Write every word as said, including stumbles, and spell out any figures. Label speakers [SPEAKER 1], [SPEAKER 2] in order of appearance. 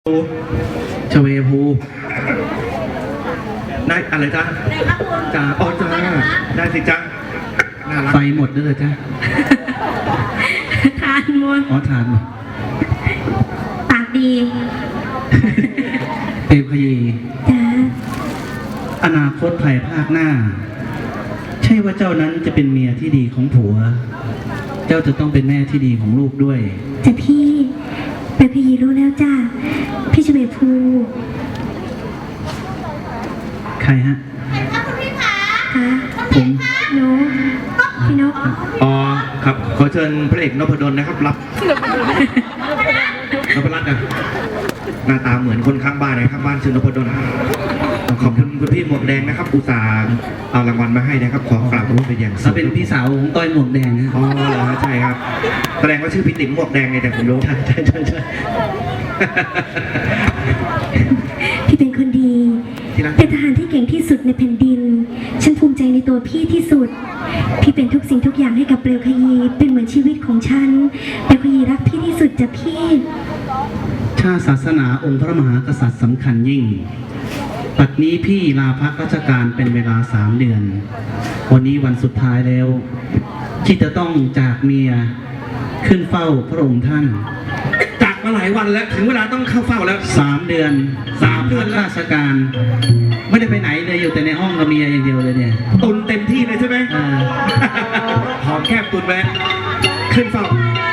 [SPEAKER 1] ชเวภูได้อะไรจ๊ะจ้าอ๋อจ้าได้สิจ๊ะน่ารักไฟหมดแล้วเหรอจ๊ะ
[SPEAKER 2] ทานหมด
[SPEAKER 1] อ๋อทานหมด
[SPEAKER 2] ปากดี
[SPEAKER 1] เปรมขยี
[SPEAKER 2] จ้า
[SPEAKER 1] อนาคตภายภาคหน้าใช่ว่าเจ้านั้นจะเป็นเมียที่ดีของผัวเจ้าจะต้องเป็นแม่ที่ดีของลูกด้วย
[SPEAKER 2] จ้ะพี่เปรมขยีรู้แล้วจ้าพี่ชเวภู
[SPEAKER 1] ใครฮะ
[SPEAKER 2] ใครคะคุณพี่คะคะ
[SPEAKER 1] ผม
[SPEAKER 2] นกพี่นก
[SPEAKER 1] อ๋อครับขอเชิญพระเอกนพดลนะครับรับนพรัตน์นะหน้าตาเหมือนคนข้างบ้านนะครับบ้านชื่อนพดลขอบคุณคุณพี่หมวกแดงนะครับอุตส่าห์เอารางวัลมาให้นะครับขอกราบขอบคุณเป็นอย่างสูงเป็นพี่สาวของต้อยหมวกแดงนะอ๋อเหรอใช่ครับแสดงว่าชื่อพี่ติ๋มหมวกแดงไงแต่ผมรู้ใช่ใช่ใช่ใช่
[SPEAKER 2] พี่เป็นคนดีเป็นทหารที่เก่งที่สุดในแผ่นดินฉันภูมิใจในตัวพี่ที่สุดพี่เป็นทุกสิ่งทุกอย่างให้กับเปลวขยีเป็นเหมือนชีวิตของฉันเปลวขยีรักพี่ที่สุดจ้ะพี่
[SPEAKER 1] ชาติศาสนาองค์พระมหากษัตริย์สำคัญยิ่งปัจนี้พี่ลาพักราชการเป็นเวลาสามเดือนวันนี้วันสุดท้ายแล้วที่จะต้องจากเมียขึ้นเฝ้าพระองค์ท่านจากมาหลายวันแล้วถึงเวลาต้องเข้าเฝ้าแล้วสามเดือนสามเดือนราชการไม่ได้ไปไหนเลยอยู่แต่ในห้องกับเมียอย่างเดียวเลยเนี่ยตุนเต็มที่เลยใช่ไหมหอมแคบตุนไว้ขึ้นเฝ้า